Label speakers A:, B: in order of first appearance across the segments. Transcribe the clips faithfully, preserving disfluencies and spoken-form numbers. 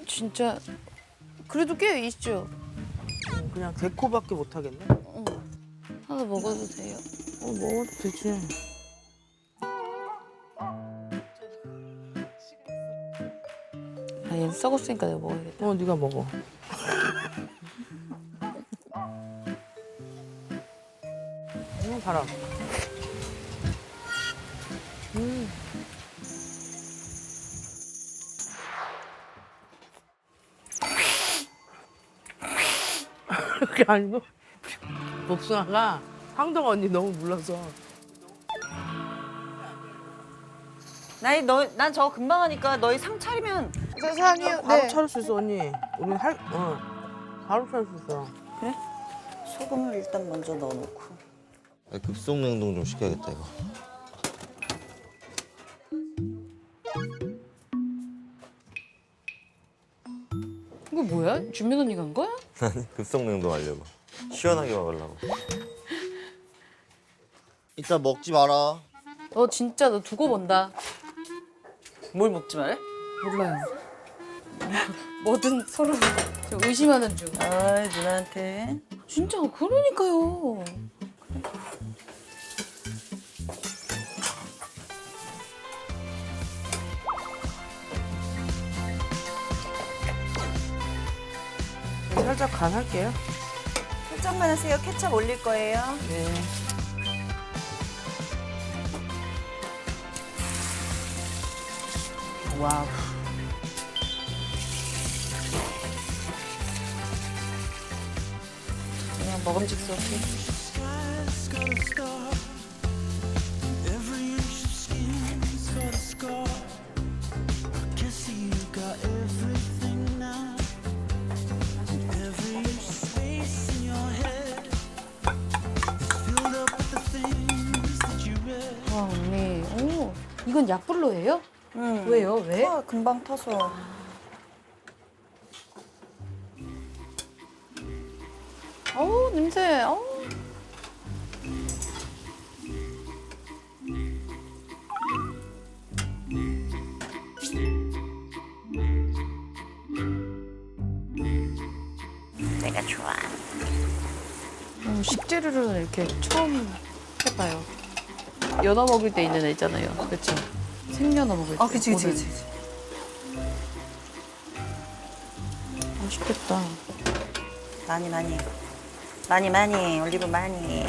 A: 진짜 그래도 꽤 있죠.
B: 그냥 데코밖에 못 하겠네.
A: 어. 하나 먹어도 돼요?
B: 어, 먹어도 되지.
A: 아, 얘는 썩었으니까 내가 먹어야겠다.
B: 어, 네가 먹어. 음, 바람. 음. 그게 아니고 복숭아가 황동 언니 너무 물러서.
C: 나이 너난 저 금방 하니까 너희 상 차리면
A: 세상이요.
B: 바로 차릴 수 있어 언니. 우리 할 어. 바로 차릴 수 있어.
C: 그래? 소금을 일단 먼저 넣어놓고.
D: 급속 냉동 좀 시켜야겠다 이거.
A: 이거 뭐야? 준민 언니가 한 거야?
D: 급속 냉동 하려고. 시원하게 먹으려고. 이따 먹지 마라.
A: 너 진짜 너 두고 본다.
C: 뭘 먹지 말래?
A: 몰라요. 뭐든 서로 저 의심하는 중.
C: 아 누나한테.
A: 진짜 그러니까요.
B: 살짝 간할게요.
C: 살짝만 하세요. 케첩 올릴 거예요.
B: 네.
C: 와우.
A: 그냥 먹음직스럽게. 와 언니, 오 이건 약불로예요?
C: 응.
A: 왜요? 왜?
C: 아, 금방 타서.
A: 어우 냄새. 어우.
C: 내가 좋아.
A: 음, 식재료를 이렇게 처음 해봐요. 연어 먹을 때 있는 애 있잖아요. 그렇죠? 생연어 먹을 때.
C: 아 그치 그치
A: 오늘.
C: 그치. 그치.
A: 맛있겠다.
C: 많이 많이. 많이 많이 올리브 많이.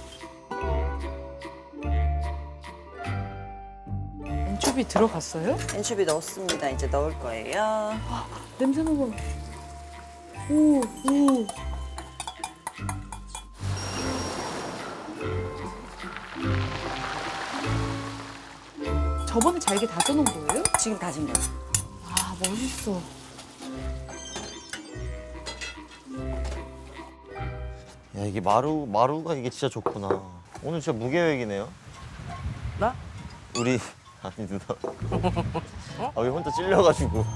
A: 엔초비 들어갔어요?
C: 엔초비 넣었습니다. 이제 넣을 거예요.
A: 냄새 먹어. 오, 오. 저번에 잘게 다져놓은 거예요?
C: 지금 다진 거.
A: 아, 멋있어.
D: 야 이게 마루 마루가 이게 진짜 좋구나. 오늘 진짜 무계획이네요.
B: 나?
D: 우리 아니 누나. 아 왜 혼자 찔려가지고.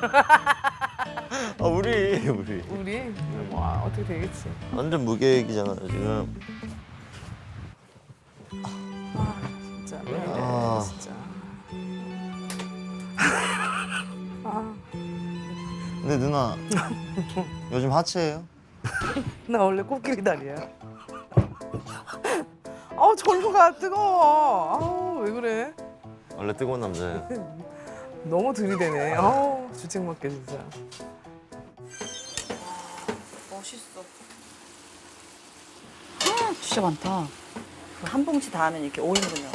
D: 아 우리 우리
B: 우리 와 어떻게 되겠지.
D: 완전 무계획이잖아요 지금.
B: 아 진짜 왜 이래
D: 아.
B: 진짜. 아,
D: 근데 누나 요즘 하체예요?
B: 나 원래 코끼리 다리야. 아우 전부가 뜨거워. 아우 왜 그래?
D: 원래 뜨거운 남자예요.
B: 너무 들이대네. 아우 주책 맞게 진짜.
C: 멋있어.
A: 아, 진짜 많다.
C: 한 봉지 다 하면 이렇게 오 인분이요.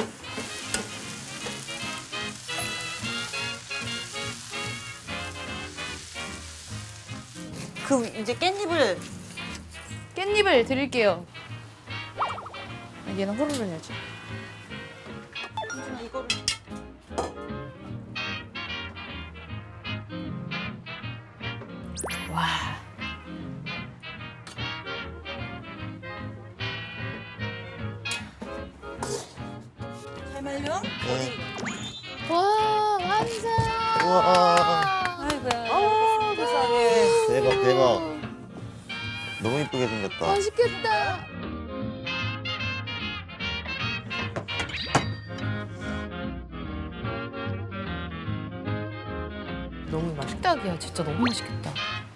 C: 그 이제 깻잎을
A: 깻잎을 드릴게요. 아, 얘는 호로로 해야지.
C: 이거를
A: 와.
C: 잘 말려?
D: 네.
A: 와, 완성!
D: 우와
C: 아이고야.
B: 아우 세상에.
D: 대박 대박. 너무 이쁘게 생겼다.
A: 맛있겠다.
B: 너무 맛있다.
A: 식탁이야. 진짜 너무 맛있겠다.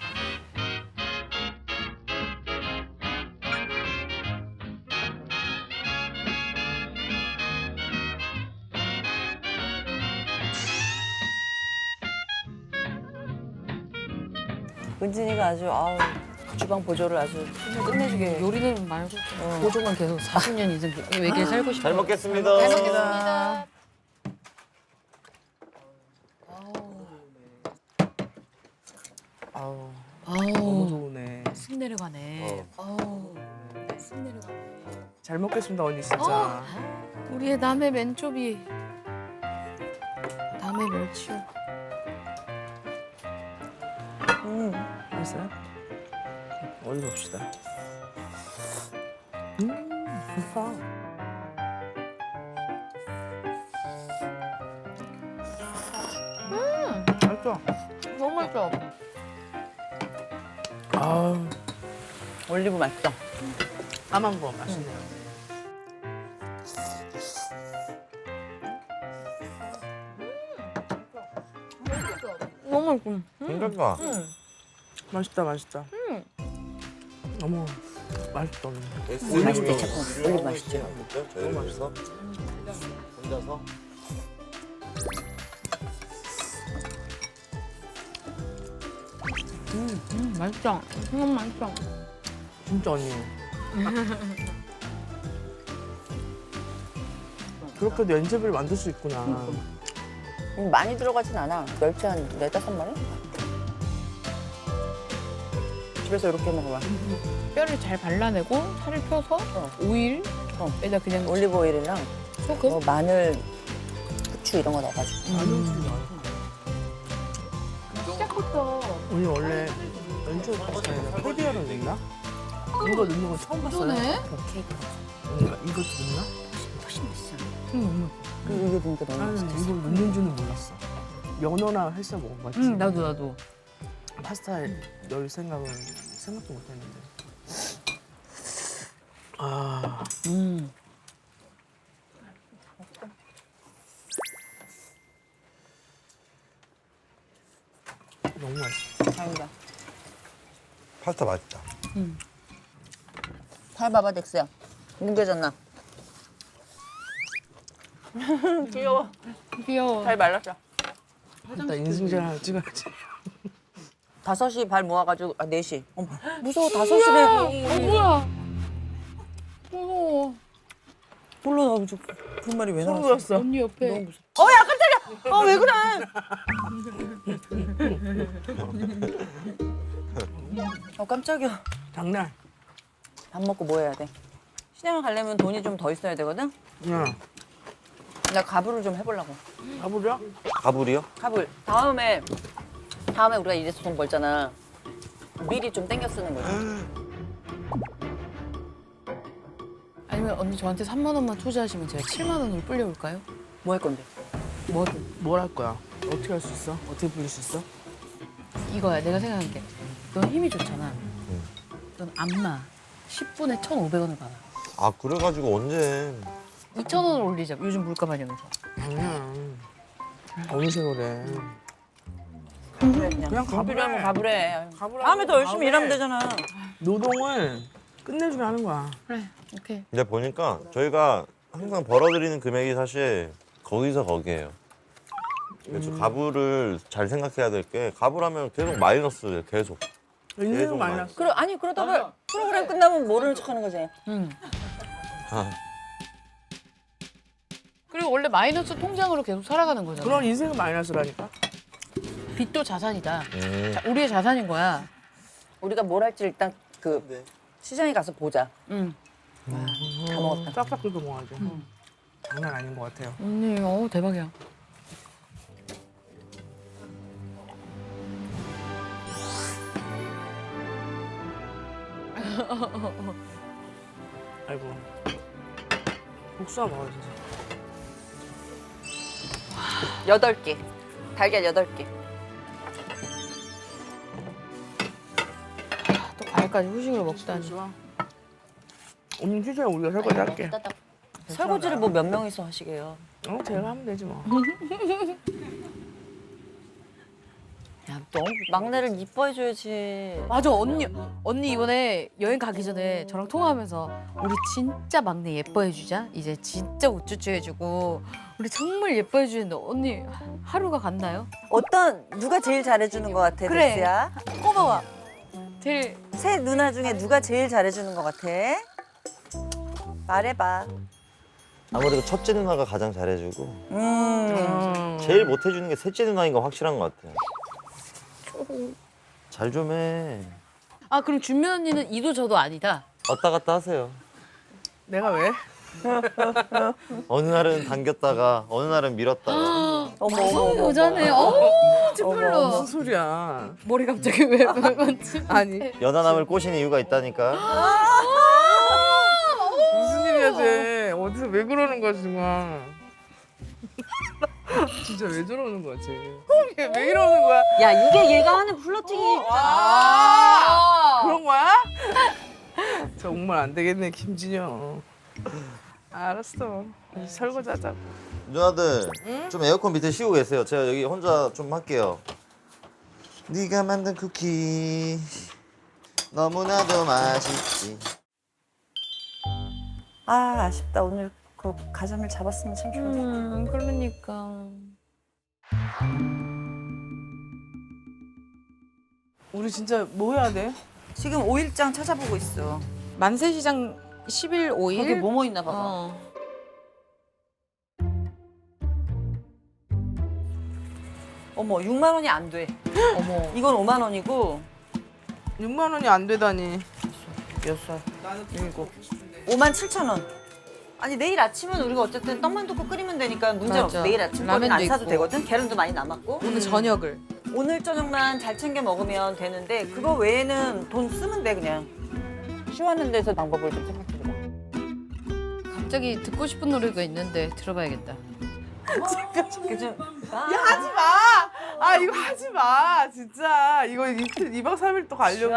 C: 은진이가 아주 아우 주방 보조를 아주 끝내주게.
A: 요리는 말고 보조만 계속 사십 년 이상 외계에 살고 싶어.
D: 잘 먹겠습니다.
A: 잘 먹겠습니다.
B: 아우
A: 아우,
B: 너무 좋으네.
A: 쑥 내려가네. 아우, 쑥 내려가네.
B: 잘 먹겠습니다 언니 진짜.
A: 어. 우리의 남의 맨초비. 남의 멸치요.
C: 음.
B: 맛있어요? 어디 봅시다. 음 좋다. 음 맛있어.
A: 너무 맛있어.
B: 아
C: 올리브 맛있다.
B: 까만 거 맛있네요.
A: 너무 맛있어.
D: 괜찮다.
B: 맛있다 맛있다. 어머 맛있다 언니.
C: 맛있대, 자꾸. 올리브 맛있죠.
D: 너무 맛있어. 혼자서.
A: 음, 맛있어. 너무 맛있어.
B: 진짜 언니. 그렇게도 연습을 만들 수 있구나.
C: 음, 많이 들어가진 않아. 멸치 한 네다섯 마리? 집에서 이렇게 먹어봐.
A: 뼈를 잘 발라내고 살을 펴서
C: 어.
A: 오일에다 그냥
C: 올리브 오일이랑
A: 소금.
C: 뭐 마늘, 후추 이런 거 넣어가지고.
A: 시작부터
B: 언니 원래 연초 파스타에다 캐비어를 넣나? 이거 넣는 건 처음 봤어요.
A: 그러네.
C: 케이크.
B: 언니가 이것도 넣나?
C: 훨씬 맛있어.
A: 응,
C: 그리고 이게 보니까 너무
B: 나는
C: 맛있어.
B: 이걸 넣는 줄은 몰랐어. 연어나 헬스 먹어봤지.
A: 응, 나도 나도.
B: 파스타에 넣을 생각은 생각도 못했는데. 아,
A: 음.
B: 너무 맛있어.
C: 다행이다.
D: 파스타 맛있다.
C: 살 봐봐, 덱스야. 뭉개졌나? 귀여워.
A: 귀여워.
C: 잘 말랐어.
B: 일단 인증샷 하나 찍어야지.
C: 다섯 시 발 모아가지고, 아, 네 시. 어머, 무서워, 다섯 시래.
A: 어, 뭐야? 무서워.
C: 몰라, 나 저, 그 말이 왜
B: 소름
C: 나왔어?
B: 돋았어.
A: 언니 옆에.
C: 너무 무서워. 어, 야, 깜짝이야! 어, 왜 그래? 어, 깜짝이야.
B: 장난.
C: 밥 먹고 뭐 해야 돼? 시장 가려면 돈이 좀 더 있어야 되거든?
B: 야,
C: 나 가불을 좀 해보려고.
B: 가보자.
D: 가불이요?
C: 가불. 다음에, 다음에 우리가 이래서 돈 벌잖아. 미리 좀 땡겨 쓰는 거지.
A: 아니면 언니 저한테 삼만 원만 투자하시면 제가 칠만 원으로 불려올까요?
C: 뭐 할 건데?
A: 뭐든.
B: 뭘 할 거야? 어떻게 할 수 있어? 어떻게 불릴 수 있어?
A: 이거야, 내가 생각한 게. 넌 힘이 좋잖아. 넌 안마. 십 분에 천오백 원을 받아.
D: 아 그래가지고 언제?
A: 이천 원을 올리자. 요즘 물가 반영해서.
B: 장난. 어느 세월에.
C: 그래, 그냥.
B: 그냥
C: 돈 필요하면 가불해.
B: 가불하고
C: 다음에 더 열심히
B: 다음에
C: 일하면 되잖아.
B: 노동을 끝내주게 하는 거야.
A: 그래, 오케이.
D: 근데 보니까 저희가 항상 벌어들이는 금액이 사실 거기서 거기예요. 그래서 가불을 잘 생각해야 될 게 가불하면 계속 마이너스예요. 계속.
B: 인생은
D: 계속
B: 마이너스.
C: 그래, 아니, 그러다가 프로그램 끝나면 모르는 척 하는 거지.
A: 응.
D: 아,
A: 그리고 원래 마이너스 통장으로 계속 살아가는 거잖아.
B: 그런 인생은 마이너스라니까.
A: 빚도 자산이다.
D: 음.
A: 자, 우리의 자산인 거야.
C: 우리가 뭘 할지 일단 그 시장에 가서 보자.
A: 응.
C: 다 먹었다.
B: 싹싹 긁어 먹어야죠. 장난 아닌 것 같아요.
A: 언니, 어 대박이야.
B: 아이고. 복숭아 먹어야지.
C: 여덟 개. 달걀 여덟 개.
A: 또 과일까지 후식으로 먹다니.
B: 좋아. 오늘 휴지에 우리가 설거지 할게.
C: 설거지를 뭐 몇 명이서 하시게요?
B: 어, 제가 하면 되지 뭐.
C: 야, 너무 막내를 이뻐해줘야지.
A: 맞아 언니 언니 이번에 여행 가기 전에 저랑 통화하면서 우리 진짜 막내 예뻐해 주자. 이제 진짜 우쭈쭈 해주고 우리 정말 예뻐해 주는데 언니 하루가 갔나요?
E: 어떤 누가 제일 잘해주는 것 같아,
A: 그래.
E: 데스야?
A: 꼬마와 제일
E: 세 누나 중에 누가 제일 잘해주는 것 같아? 말해봐.
D: 아무래도 첫째 누나가 가장 잘해주고
E: 음.
D: 제일 못해주는 게 셋째 누나인 거 확실한 것 같아요. 잘 좀 해.
A: 아 그럼 준면 언니는 이도 저도 아니다.
D: 왔다 갔다 하세요.
B: 내가 왜?
D: 어느 날은 당겼다가 어느 날은 밀었다가.
E: 어머, 어머,
A: 무서운
E: 어머.
A: 여자네. 어
B: 무슨
A: 찌풀러.
B: 소리야?
A: 머리 갑자기 왜 건지.
B: 아니
D: 연하남을 꼬신 이유가 있다니까.
B: 무슨 일이야 쟤? 어디서 왜 그러는 거야 정말? 진짜 왜 저러는 거야 쟤? 왜, 왜 이러는 거야?
C: 야, 이게 얘가 하는 플러팅이.
B: 아 그런 거야? 정말 안 되겠네 김진영. 알았어. 이제 설거지 하자고.
D: 누나들 좀 에어컨 밑에 쉬고 계세요. 제가 여기 혼자 좀 할게요. 네가 만든 쿠키 너무나도 맛있지.
E: 아, 아쉽다. 오늘 그 가자미를 잡았으면 참 좋은데.
A: 음 그러니까.
B: 우리 진짜 뭐 해야 돼?
E: 지금 오일장 찾아보고 있어.
A: 만세시장 십 일 오 일.
C: 거기 뭐뭐 있나 봐봐.
A: 어.
E: 어머, 육만 원이 안 돼.
A: 어머.
E: 이건 오만 원이고
B: 육만 원이 안 되다니.
E: 몇 살? 나는 일곱. 오만 칠천 원. 아니 내일 아침은 우리가 어쨌든 떡만 덮고 끓이면 되니까 문제 없어.
A: 맞아.
E: 내일 아침 거는 안
A: 라면도
E: 사도
A: 있고.
E: 되거든. 계란도 많이 남았고.
A: 오늘 저녁을.
E: 오늘 저녁만 잘 챙겨 먹으면 되는데 그거 외에는 돈 쓰면 돼 그냥.
C: 쉬워하는 데서 방법을 좀 생각해보자.
A: 갑자기 듣고 싶은 노래가 있는데 들어봐야겠다.
E: 이게 좀
B: 야 하지 마. 아 이거 하지 마. 진짜 이거 이틀 이박 삼일 또 가려고.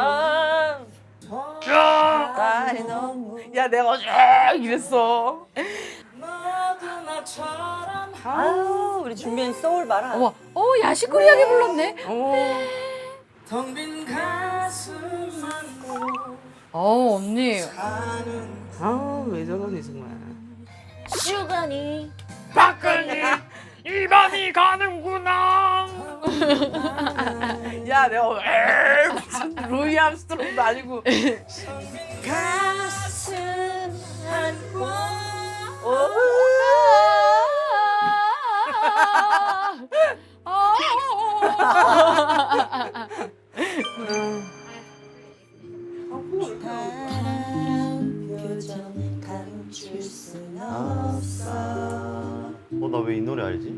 E: 딸이 너무.
B: 야 내가 어제 이랬어.
E: 아유 우리 준비한 소울 봐라.
A: 어머, 어 야시코리하게 불렀네.
B: 어.
A: 어 언니.
B: 아왜 저러니 정말.
E: 슈가니.
A: 박근이 이반이 가는구나.
B: 야 내가 오늘 에이, 무슨 루이 암스트롱도 아니고.
E: 가슴 안고. 표정 감출 순 없어.
D: 어, 나 왜 이 노래 알지?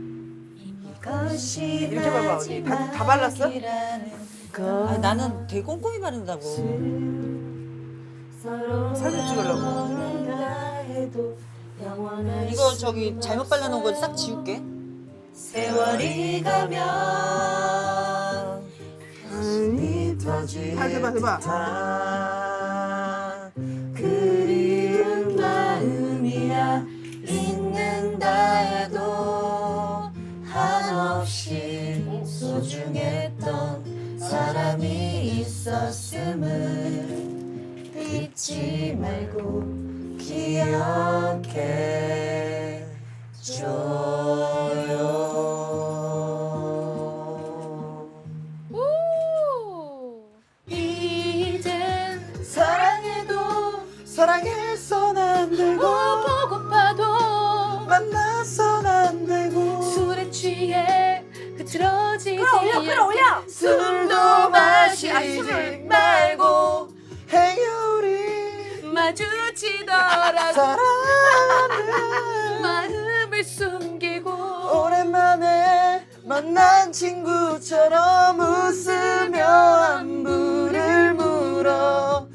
B: 이렇게 봐봐 언니. 다, 다 발랐어?
E: 아, 나는 되게 꼼꼼히 바른다고.
B: 사진 찍으려고.
E: 이거 저기 잘못 발라놓은 거 싹 지울게. 세월이 가면
B: 아니 터지. 해봐 해봐.
E: 그리운 마음이야 있는다 해도 한없이 소중했던 사람이 있었음을 잊지 말고 기억해 줘요.
A: 이젠
E: 사랑해도
B: 사랑해선 안 되고
A: 보고파도
B: 만나선 안 되고
A: 술에 취해 흐트러지지
E: 끌어올려 끌어올려.
A: 술도 마시지 말고
B: 행여리
A: 마주치더라도
B: 사랑하는
A: 마음을 숨기고
B: 오랜만에 만난 친구처럼 웃으며 안부를 물어